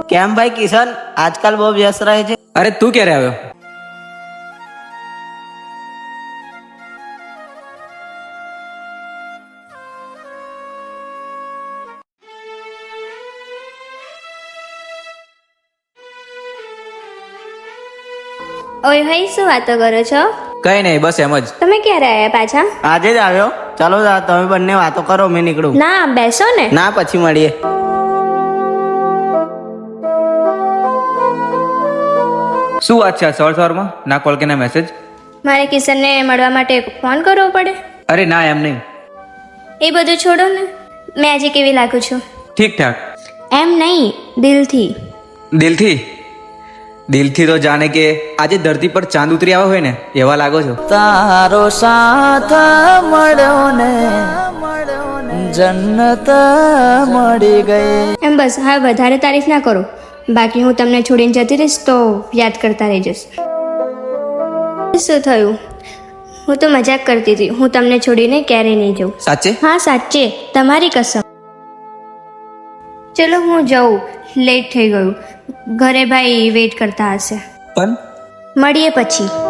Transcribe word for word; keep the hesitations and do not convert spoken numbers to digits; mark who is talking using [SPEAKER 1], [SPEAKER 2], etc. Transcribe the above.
[SPEAKER 1] કેમ ભાઈ કિશન, આજકાલ બહુ વ્યસ્ત રહે છે?
[SPEAKER 2] અરે તું ક્યારે આવ્યો?
[SPEAKER 3] ઓય ભાઈ, શું વાતો કરો છો?
[SPEAKER 2] કઈ નહીં, બસ એમ જ.
[SPEAKER 3] તમે ક્યારે આયા પાછા?
[SPEAKER 1] આજે જ આવ્યો. ચાલો તમે બંને વાતો કરો, મેં નીકળું.
[SPEAKER 3] ના, બેસો ને.
[SPEAKER 1] ના, પછી મળીએ.
[SPEAKER 2] શું વાત છે આ સવાર સવારમાં? ના કોલ કે ના મેસેજ?
[SPEAKER 3] મારે કિશનને મળવા માટે ફોન કરવો પડે?
[SPEAKER 2] અરે ના, એમ નહીં.
[SPEAKER 3] એ બધું છોડો ને. મેં આજે કેવી લાગુ છું?
[SPEAKER 2] ઠીક ઠાક.
[SPEAKER 3] એમ નહીં, દિલથી.
[SPEAKER 2] દિલથી? દિલથી તો જાણે કે આજે ધરતી પર ચાંદ ઉતરી આવ્યો હોય ને એવા લાગો છો.
[SPEAKER 1] તારો સાથ મળ્યો ને જન્નત મળી ગઈ.
[SPEAKER 3] એમ બસ, હા વધારે તારીફ ના કરો. બાકી હું તમને છોડીને જતી રહીશ તો યાદ કરતા રહી જશ. શું થયું? હું તો મજાક કરતી હતી. હું તમને છોડીને ક્યારેય નહીં જાઉં.
[SPEAKER 2] સાચે?
[SPEAKER 3] હા સાચે, તમારી કસમ. ચલો હું જાઉં, લેટ થઈ ગયું. ઘરે ભાઈ વેઇટ કરતા હશે.
[SPEAKER 2] પણ
[SPEAKER 3] મળીએ પછી.